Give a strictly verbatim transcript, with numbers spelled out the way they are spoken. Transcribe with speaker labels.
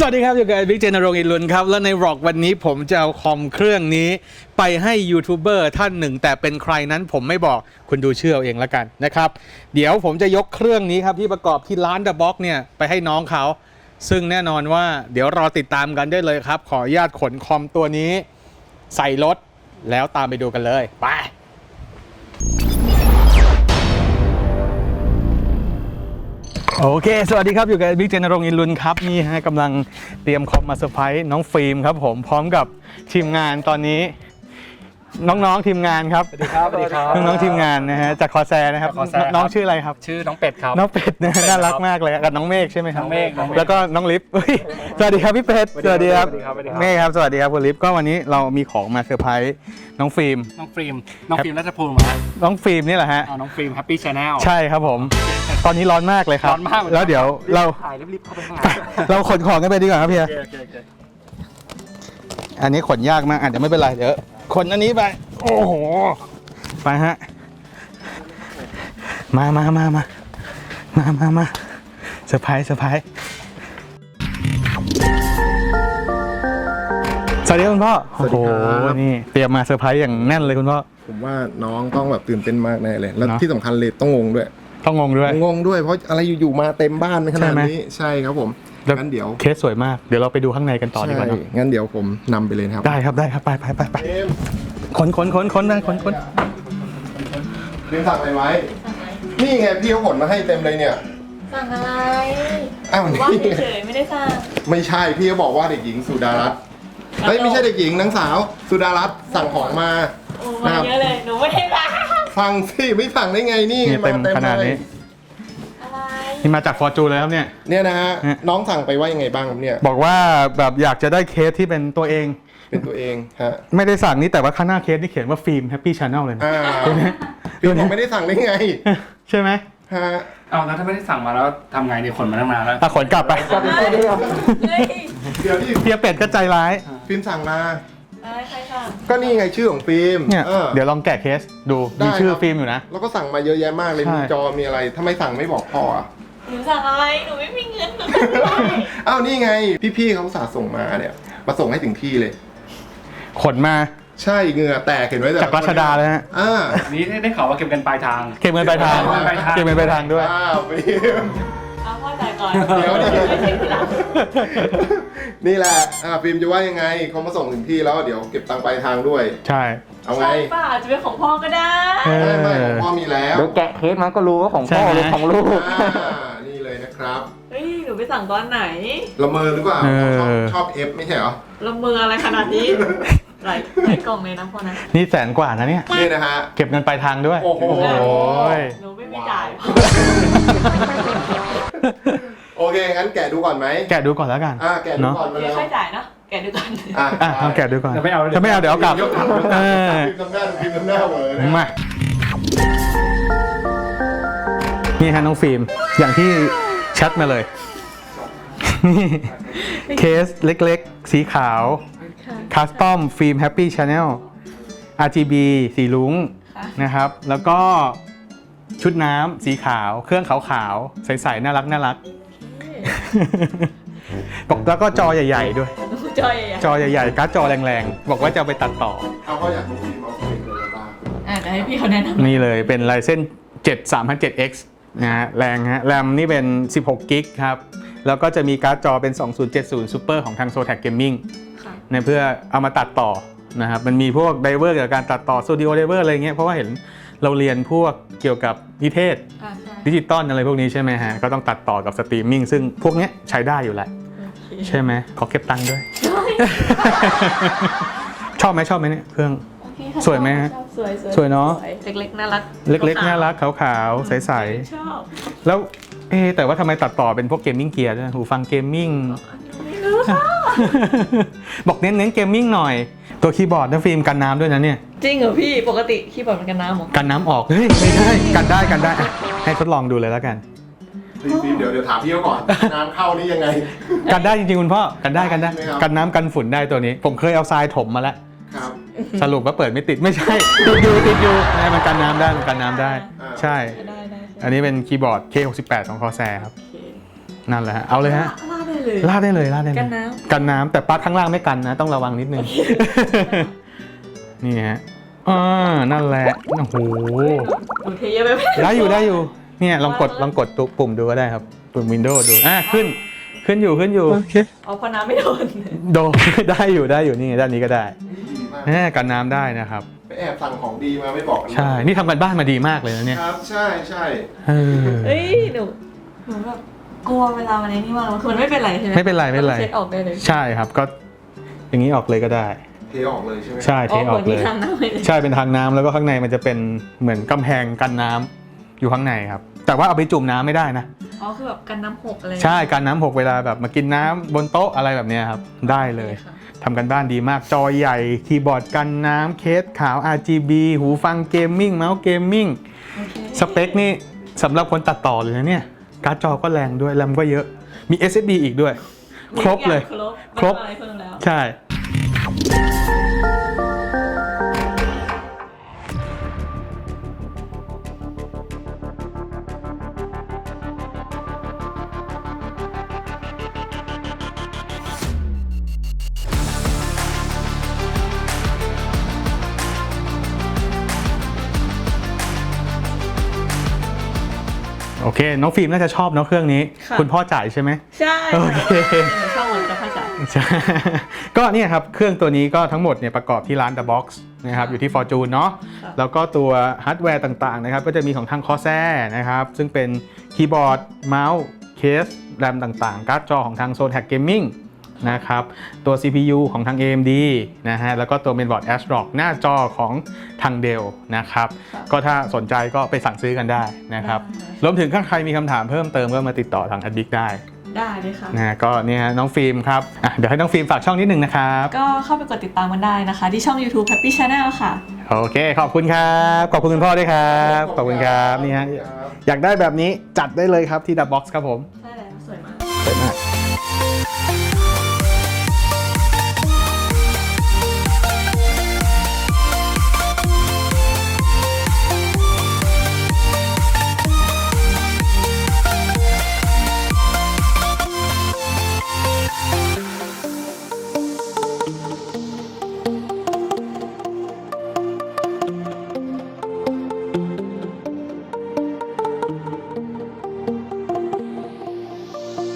Speaker 1: วัสดีครับอยู่กับบิ๊กเจนรงค์อินลุนครับแล้วในร็อกวันนี้ผมจะเอาคอมเครื่องนี้ไปให้ยูทูบเบอร์ท่านหนึ่งแต่เป็นใครนั้นผมไม่บอกคุณดูชื่อเอาเองแล้วกันนะครับเดี๋ยวผมจะยกเครื่องนี้ครับที่ประกอบที่ร้าน The Box เนี่ยไปให้น้องเขาซึ่งแน่นอนว่าเดี๋ยวรอติดตามกันได้เลยครับขออนุญาตขนคอมตัวนี้ใส่รถแล้วตามไปดูกันเลยไปโอเคสวัสดีครับอยู่กับบิ๊กเจนรงค์อินลุนครับนี่ฮะกำลังเตรียมคอมมาเซอร์ไพรส์น้องฟิล์มครับผมพร้อมกับทีมงานตอนนี้น้องๆทีมงานครับ
Speaker 2: สวัสดีครับสวัสดีครับ
Speaker 1: น้องๆทีมงานนะฮะจากคอแซนะครับน้องชื่ออะไรครับ
Speaker 2: ชื่อน้องเป็ดครับ
Speaker 1: น้องเป็ดนะน่ารักมากเลยกับน้องเมฆใช่ไหมครับ
Speaker 2: น้องเมฆ
Speaker 1: แล้วก็น้องลิฟสวัสดีครับพี่เป็ดสวัสดีครับเมฆครับสวัสดีครับคุณลิฟก็วันนี้เรามีของมาเซอร์ไพรส์น้องฟิล์ม
Speaker 2: น้องฟิล์มน้องฟิล์มรัชภูมิฮะ
Speaker 1: น้องฟิล์มนี่แหละฮะ
Speaker 2: น้องฟิล์มแฮปปี้ชาแนล
Speaker 1: ใช่ครับผมตอนนี้ร้อนมากเลยครับ
Speaker 2: ร้อนมาก
Speaker 1: แล้วเดี๋ยวเรา
Speaker 2: ถ่ายรีบๆเข้าไปข้างใน
Speaker 1: เราขนของกันไปดีกว่าครับพี่อันนี้ขนยากมากอ่ะเดี๋ยวไม่เป็นไรเดี๋ยวขนอันนี้ไปโอ้โหไปฮะมามามามามามามาเซอร์ไพรส์เซอร์ไพรส์สวัสดีคุณพ่อโอ้โหนี่เตรียมมาเซอร์ไพรส์อย่างแน่นเลยคุณพ่อ
Speaker 3: ผมว่าน้องต้องแบบตื่นเต้นมากแน่เลยแล้วที่สำคัญเลยต้องงงด้วย
Speaker 1: ต้องงงด้วย
Speaker 3: งงด้วยเพราะอะไรอยู่ๆมาเต็มบ้านขนาดนี้ใช่ครับผมงั้นเดี๋ยว
Speaker 1: เคสสวยมากเดี๋ยวเราไปดูข้างในกันต่อดีกว่า
Speaker 3: งั้นเดี๋ยวผมนำไปเลยครับ
Speaker 1: ได้ครับได้ครับไปไปไปไปขนขนขนขนได้ขนขน
Speaker 3: เรียนสั่งอะไรไว้นี่ไงพี่เขาขนมาให้เต็มเลยเนี่ย
Speaker 4: สั่งอะไร
Speaker 3: อ้าว
Speaker 4: ว่าเฉยๆไม่ได้สั่ง
Speaker 3: ไม่ใช่พี่เขาบอกว่าเด็กหญิงสุดารัตน์เฮ้ยไม่ใช่เด็กหญิงนางสาวสุดารัตน์สั่งของมา
Speaker 4: โอ้มาเยอะเลยหนูไม่ได้สั่ง
Speaker 3: ฟังสิไม่สั่งได้ไงนี่
Speaker 1: เต็มขนาดนี้นี่มาจากฟอร์จูนเลยครับเนี่ย
Speaker 3: เนี่ยนะฮะน้องสั่งไปว่ายังไงบ้างครับเนี่ย
Speaker 1: บอกว่าแบบอยากจะได้เคสที่เป็นตัวเอง
Speaker 3: เป็นตัวเองฮะ
Speaker 1: ไม่ได้สั่งนี่แต่ว่าข้างหน้าเคสนี่เขียนว่าฟิล์มแฮปปี้ชาแนลเลยนะ
Speaker 3: ตัวนี้ฟิล์มไม่ได้สั่งได้ไง
Speaker 1: ใช่ไหม
Speaker 3: ฮะ
Speaker 2: เอาแล้วถ้าไม่ได้สั่งมาแล้วทำไงเนี่ยขนมาตั้งนานแล้ว
Speaker 1: ตาขนกลับไป
Speaker 3: เดี๋ยวที่
Speaker 1: เฮียเป็ดก็ใจร้าย
Speaker 3: ฟิล์มสั่งมา
Speaker 4: ใครสั่ง
Speaker 3: ก็นี่ไงชื่อของฟิล์ม
Speaker 1: เนี่ยเดี๋ยวลองแกะเคสดูมีชื่อฟิล์มอยู่นะ
Speaker 3: แล้วก็สั่งมาเยอะแยะมากเลยมีจอมีอะไรทำไมสั่งไม่บอกพ่อ
Speaker 4: หนูสั่งอะไรหนูไม่มีเงินหนู
Speaker 3: อ้าวนี่ไงพี่ๆเขาสาส่งมาเนี่ยมาส่งให้ถึงที่เลย
Speaker 1: ขนมา
Speaker 3: ใช่เหงื่อแตกเห็นไว้
Speaker 1: จากรัชดาเลยฮะ
Speaker 3: อ่า
Speaker 2: นี่ได้ข่าวว่าเก็บเงินปลายทาง
Speaker 1: เก็บเงินปลายทางเก็บเงินปลายทางด้วย
Speaker 3: อ้าวฟิล์ม
Speaker 4: เอาพ่อจ่ายก่อน
Speaker 3: เดี๋ยวนี่แหละอ่าฟิล์มจะว่ายังไงเขามาส่งถึงที่แล้วเดี๋ยวเก็บตังค์ปลายทางด้วย
Speaker 1: ใช่
Speaker 3: เอาไง
Speaker 4: ป้าจะเป็นของพ่อก็ได้
Speaker 3: ไม่ไม่ของพ่อมีแล้ว
Speaker 2: เดี๋ยวแกะเคสมันก็รู้ว่าของพ่อหรือของลูก
Speaker 3: นี่เลยนะครับ
Speaker 4: เฮ้ยหนูไปสั่งตอนไหน
Speaker 3: ละเมอหรือเปล่าชอบชอบเอฟไม่ใช่เหรอ
Speaker 4: ละเมออะไรขนาดนี้หลายหลายกล่องเลยนะพ่อนะ
Speaker 1: นี่แสนกว่านะเนี่ย
Speaker 3: นี่นะฮะ
Speaker 1: เก็บเงินปลายทางด้วย
Speaker 3: โอ้โห
Speaker 4: หนูไม่มีจ่าย
Speaker 3: โอเคงั้นแกะดูก่อนไหม
Speaker 1: แกะดูก่อนแล้วกัน
Speaker 3: อ่าแกะดูก่อน
Speaker 4: เดี๋ยวค่อยจ่ายเนาะแกะดูก่อน
Speaker 1: อ่าลองแกะดูก่อน
Speaker 2: ไม่เอา
Speaker 1: ถ้าไม่เอาเดี๋ยวเอากลับ
Speaker 3: เออพิมพ์น้ำหน้าพิมพ์น้ำหน้าเหมือน
Speaker 1: มานี่ฮะน้องฟิล์มอย่างที่แชทมาเลยเคสเล็กๆสีขาวคัสตอมฟิล์มแฮปปี้ชาแนล อาร์ จี บี สีลุ้งนะครับแล้วก็ชุดน้ำสีขาวเครื่องขาวๆใสๆน่ารักน่ารักแล้วก็จอใหญ่ๆด้วย
Speaker 4: จอใหญ่
Speaker 1: จอใหญ่ๆการ์ดจอแรงๆบอกว่าจะเอาไปตัดต่อ
Speaker 3: เอาก็อยากรู้ฟิล์มเอาฟิล์มเลยบ้าง
Speaker 4: อ่าให้พี่เขาแนะนำ
Speaker 1: นี่เลยเป็น Ryzen เจ็ด สามพันเจ็ด เอ็กซ์ นะฮะแรงฮะแรมนี่เป็นสิบหกกิกครับแล้วก็จะมีการ์ดจอเป็นสองพันเจ็ดสิบ Super ของทาง Zotac Gaming ในเพื่อเอามาตัดต่อนะครับมันมีพวกไดเวอร์เกี่ยวกับการตัดต่อ Studio Diver อะไรเงี้ยเพราะว่าเห็นเราเรียนพวกเกี่ยวกับนิเทศดิจิตอลอะไรพวกนี้ใช่ไหมฮะก็ต้องตัดต่อกับสตรีมมิ่งซึ่งพวกนี้ใช้ได้อยู่แหละใช่ไหมขอเก็บตังค์ด้วยชอบไหมชอบไหมเนี่ยเครื่องสวยไหมฮะ
Speaker 4: สวย
Speaker 1: สวยเนาะ
Speaker 4: เล็กๆน่ารัก
Speaker 1: เล็กๆน่ารักขาวๆใสๆ
Speaker 4: ชอบ
Speaker 1: แล้วเอ๊แต่ว่าทำไมตัดต่อเป็นพวกเกมมิ่งเกียร์ด้วยหูฟังเกมมิ่งบอกเน้นๆเกมมิ่งหน่อยตัวคีย์บอร์ดนะฟิล์มกันน้ำด้วยนะเนี่ย
Speaker 4: จริงเหรอพี่ปกติคีย์บอร์ดมันกันน้ำหรอ
Speaker 1: กันน้ำออกเฮ้ยไม่ใช่กันได้กันได้ให้ทดลองดูเลยแล้วกัน
Speaker 3: เดี๋ยวเดี๋ยวถามพี่เขาก่อนน้ำเข้านี่ยังไง
Speaker 1: กันได้จริงๆคุณพ่อกันได้กันได้กันน้ำกันฝุ่นได้ตัวนี้ผมเคยเอาทรายถมมาแล้วสรุปว่าเปิดไม่ติดไม่ใช่ติดอยู่ติดอยู่นะมันกันน้ำได้มันกันน้ำได้ใช่อันนี้เป็นคีย์บอร์ด เค หกสิบแปด ของ Corsair ครับนั่นแหละฮะเอาเลยฮะ
Speaker 4: เลย
Speaker 1: ลาดได้เลยลาดได้เลย
Speaker 4: กันน้
Speaker 1: กันน้ำแต่ปลั๊กข้างล่างไม่กันนะ ต้องระวังนิดนึง นี่ฮะอ่านั่นแหละโอ้โห
Speaker 4: หนูเทเยอะไปไหม
Speaker 1: ได้อยู่ได้อยู่เนี่ยลองกดลองกดตัวปุ่มดูก็ได้ครับปุ่ม Windows ดูอ่ะขึ้นขึ้นอยู่ขึ้นอยู่
Speaker 4: เอาพอน้ำไม่โดน
Speaker 1: โดน ได้อยู่ได้อยู่นี่ด้านนี้ก็ได้
Speaker 3: ดีมาก
Speaker 1: แหมกันน้ำได้นะครับ
Speaker 3: ไปแอบสั่งของดีมาไม่บอกกันเลย
Speaker 1: ใช่นี่ทำกันบ้านมาดีมากเลยนะเนี่ย
Speaker 3: ครับใช่ใช่
Speaker 1: เออ
Speaker 4: เฮ้ยหนูหนูแบบกลัวเวลามันไอ้นี่มากเลยคือมันไม่เป็นไรใช่ไหม
Speaker 1: ไม่เป็นไรไม่เป็นไร
Speaker 4: เช็ดออกได้เลย
Speaker 1: ใช่ครับก็อย่างนี้ออกเลยก็ได้
Speaker 3: เทออกเลยใช่ไหม
Speaker 1: ใช่เทออกเลย
Speaker 4: ทางน้ำเลย
Speaker 1: ใช่เป็นทางน้ำแล้วก็ข้างในมันจะเป็นเหมือนกำแพงกันน้ำอยู่ข้างในครับแต่ว่าเอาไปจุ่มน้ำไม่ได้นะ
Speaker 4: อ๋อคือแบบกันน้ำหกอะไร
Speaker 1: ใช่การน้ำหกเวลาแบบมากินน้ำบนโต๊ะอะไรแบบเนี้ยครับได้เลย
Speaker 4: ค่ะ
Speaker 1: ทำกันบ้านดีมากจอใหญ่คีย์บอร์ดกันน้ำเคสขาว อาร์ จี บี หูฟังเกมมิ่งเมาส์เกมมิ่ง
Speaker 4: โอเค
Speaker 1: สเปคนี่สำหรับคนตัดต่อเลยนะเนี่ยการ์ดจอก็แรงด้วยแรมก็เยอะมี เอส เอส ดี อีกด้วย ครบเลย
Speaker 4: ครบ
Speaker 1: ครบ
Speaker 4: ไม่ต้องอะไรเพิ่มแล้ว
Speaker 1: ใช่ โอเค น้องฟิล์มน่าจะชอบเนาะเครื่องนี้
Speaker 4: ค่ะ
Speaker 1: คุณพ่อจ่ายใช่ไหม
Speaker 4: ใช่
Speaker 1: โอเค
Speaker 4: หนูชอบเหมือนกับภาษา
Speaker 1: ใช่ ก็เนี่ยครับ เครื่องตัวนี้ก็ทั้งหมดเนี่ยประกอบที่ร้าน The Box นะครับอยู่ที่ Fortune เนาะ
Speaker 4: ค่ะ
Speaker 1: แล้วก็ตัวฮาร์ดแวร์ต่างๆนะครับก็จะมีของทาง Corsair นะครับซึ่งเป็นคีย์บอร์ดเมาส์เคสแรมต่างๆ การ์ดจอของทาง Zotac Gaming นะครับตัว ซี พี ยู ของทาง เอ เอ็ม ดี นะฮะแล้วก็ตัว Mainboard ASRock หน้าจอของทาง Dell นะครับ
Speaker 4: ค่ะ
Speaker 1: ก็ถ้าสนใจก็ไปสั่งซื้อกันได้นะครับ
Speaker 4: ได้
Speaker 1: รวมถึงถ้าใครมีคำถามเพิ่มเติมก็มาติดต่อทาง Addict ได้
Speaker 4: ได้เลยค่ะ
Speaker 1: นะก็เนี่ยฮะน้องฟิล์มครับอ่ะเดี๋ยวให้น้องฟิล์มฝากช่องนิดนึงนะครับ
Speaker 4: ก็เข้าไปกดติดตามกันได้นะคะ ที่ช่อง YouTube Happy Channel ค่ะ
Speaker 1: โอเค ขอบคุณครับ ขอบคุณคุณพ่อด้วยครับ ขอบคุณครับนี่ฮะอยากได้แบบนี้จัดได้เลยครับที่ The Box ครับผม
Speaker 4: ใช่แล้วสวยมาก
Speaker 1: สวยมาก